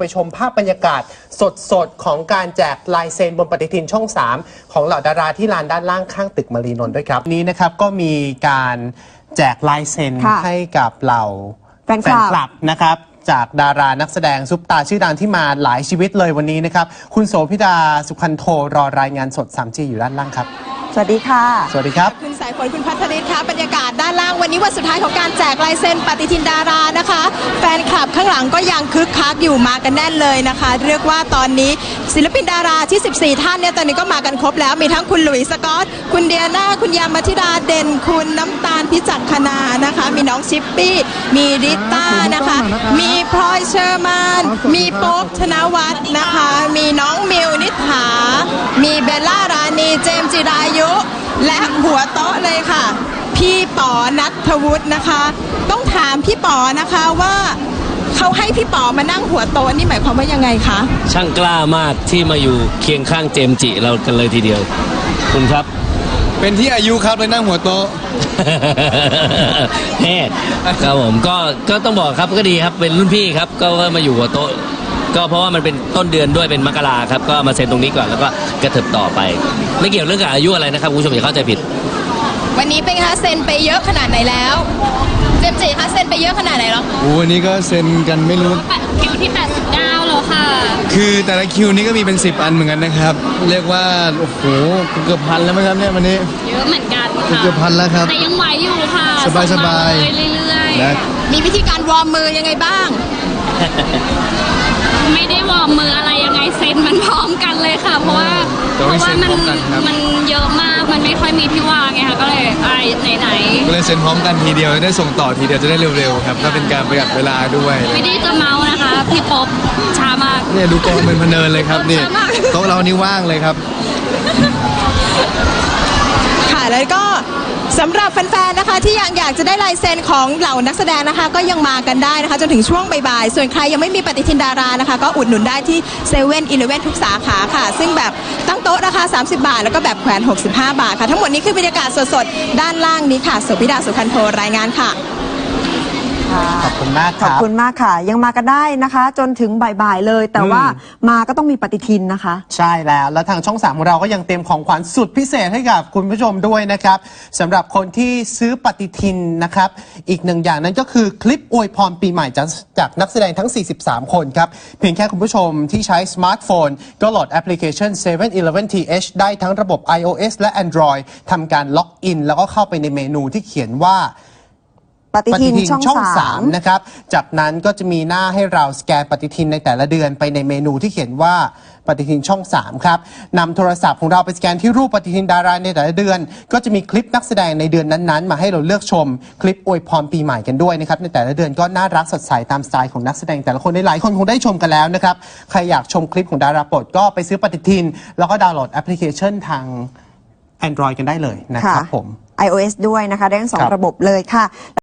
ไปชมภาพบรรยากาศสดๆของการแจกลายเซ็นบนปฏิทินช่อง 3ของเหล่าดาราที่ลานด้านล่างข้างตึกมารีนนท์ด้วยครับนี้นะครับก็มีการแจกลายเซ็นให้กับเหล่าแฟนคลับนะครับจากดารานักแสดงซุปตาชื่อดังที่มาหลายชีวิตเลยวันนี้นะครับคุณโสภิดาสุขันโทรอรายงานสด 3G อยู่ด้านล่างครับสวัสดีค่ะสวัสดีครับคุณสายฝนคุณพัทริศค่ะบรรยากาศด้านล่างวันนี้วันสุดท้ายของการแจกลายเซ็นปฏิทินดารานะคะแฟนคลับข้างหลังก็ยังคึกคักอยู่มากันแน่นเลยนะคะเรียกว่าตอนนี้ศิลปินดาราที่14ท่านเนี่ยตอนนี้ก็มากันครบแล้วมีทั้งคุณหลุยส์สกอตคุณเดียนาคุณยามัธิดาเด่นคุณน้ำตาลพิจักขณานะคะมีน้องชิปปี้มีริต้านะคะมีพลอยเชอร์มานมีโป๊ปธนวัฒน์นะคะมีน้องมิวนิษฐามีเบลล่ารานีเจมส์จิรายุและหัวโต๊ะเลยค่ะพี่ป๋อณัฐวุฒินะคะต้องถามพี่ป๋อนะคะว่าเขาให้พี่ป๋อมานั่งหัวโต๊ะนี่หมายความว่ายังไงคะช่างกล้ามากที่มาอยู่เคียงข้างเจมส์จิเรากันเลยทีเดียวคุณครับเป็นที่อายุครับเลยนั่งหัวโต๊ะแฮ่ครับผมก็ต้องบอกครับก็ดีครับเป็นรุ่นพี่ครับก็มาอยู่หัวโต๊ะก็เพราะว่ามันเป็นต้นเดือนด้วยเป็นมกราครับก็มาเซ็นตรงนี้ก่อนแล้วก็กระเถิบต่อไปไม่เกี่ยวเรื่องกับอายุอะไรนะครับคุณผู้ชมอย่าเข้าใจผิดวันนี้เป็นคะเซ็นไปเยอะขนาดไหนแล้วเจมส์จิคะเซ็นไปเยอะขนาดไหนแล้ววันนี้ก็เซ็นกันไม่รู้คิวที่89แล้วค่ะคือแต่ละคิวนี้ก็มีเป็น10อันเหมือนกันนะครับเรียกว่าโอ้โหเกือบพันแล้วมั้งครับเนี่ยวันนี้เยอะเหมือนกันค่ะเกือบพันแล้วครับแต่ยังไหวอยู่ค่ะสบายเรื่อยๆมีวิธีการวอร์มมือยังไงบ้างไม่ได้วอร์มมืออะไรยังไงเซ็นมันพร้อมกันเลยค่ะเพราะว่ามันเยอะมากมันไม่ค่อยมีที่วางไงค่ะก็เลยไหนก็เลยเซ็นพร้อมกันทีเดียวได้ส่งต่อทีเดียวจะได้เร็วๆครับถ้าเป็นการประหยัดเวลาด้วยไม่ได้จะเมานะคะพี่ป๊อบช้ามากเนี่ยดูกองเป็นพเนินเลยครับนี่โต๊ะเรานี่ว่างเลยครับค่ะแล้วก็สำหรับแฟนๆนะคะที่ยังอยากจะได้ลายเซ็นของเหล่านักแสดงนะคะก็ยังมากันได้นะคะจนถึงช่วงบ่ายๆส่วนใครยังไม่มีปฏิทินดารานะคะก็อุดหนุนได้ที่7-11ทุกสาขาค่ะซึ่งแบบตั้งโต๊ะราคา30 บาทแล้วก็แบบแขวน65 บาทค่ะทั้งหมดนี้คือบรรยากาศสดๆด้านล่างนี้ค่ะโสภิดาสุขันโทรายงานค่ะขอบคุณมากขอบคุณมากค่ะยังมากันได้นะคะจนถึงบ่ายๆเลยแต่ว่ามาก็ต้องมีปฏิทินนะคะใช่แล้วทางช่อง 3ของเราก็ยังเตรียมของขวัญสุดพิเศษให้กับคุณผู้ชมด้วยนะครับสำหรับคนที่ซื้อปฏิทินนะครับอีกหนึ่งอย่างนั้นก็คือคลิปอวยพรปีใหม่จากนักแสดงทั้ง43คนครับเพียงแค่คุณผู้ชมที่ใช้สมาร์ทโฟนก็โหลดแอปพลิเคชัน 7-11th ได้ทั้งระบบ iOS และ Android ทำการล็อกอินแล้วก็เข้าไปในเมนูที่เขียนว่าปฏิทินช่อง 3นะครับจากนั้นก็จะมีหน้าให้เราสแกนปฏิทินในแต่ละเดือนไปในเมนูที่เขียนว่าปฏิทินช่อง 3ครับนำโทรศัพท์ของเราไปสแกนที่รูปปฏิทินดาราในแต่ละเดือนก็จะมีคลิปนักแสดงในเดือนนั้นๆมาให้เราเลือกชมคลิปอวยพรปีใหม่กันด้วยนะครับในแต่ละเดือนก็น่ารักสดใสตามสไตล์ของนักแสดงแต่ละคนหลายคนคงได้ชมกันแล้วนะครับใครอยากชมคลิปของดาราโปรดก็ไปซื้อปฏิทินแล้วก็ดาวน์โหลดแอปพลิเคชันทาง Android กันได้เลยนะครับผม iOS ด้วยนะคะได้ทั้ง2ระบบเลยค่ะ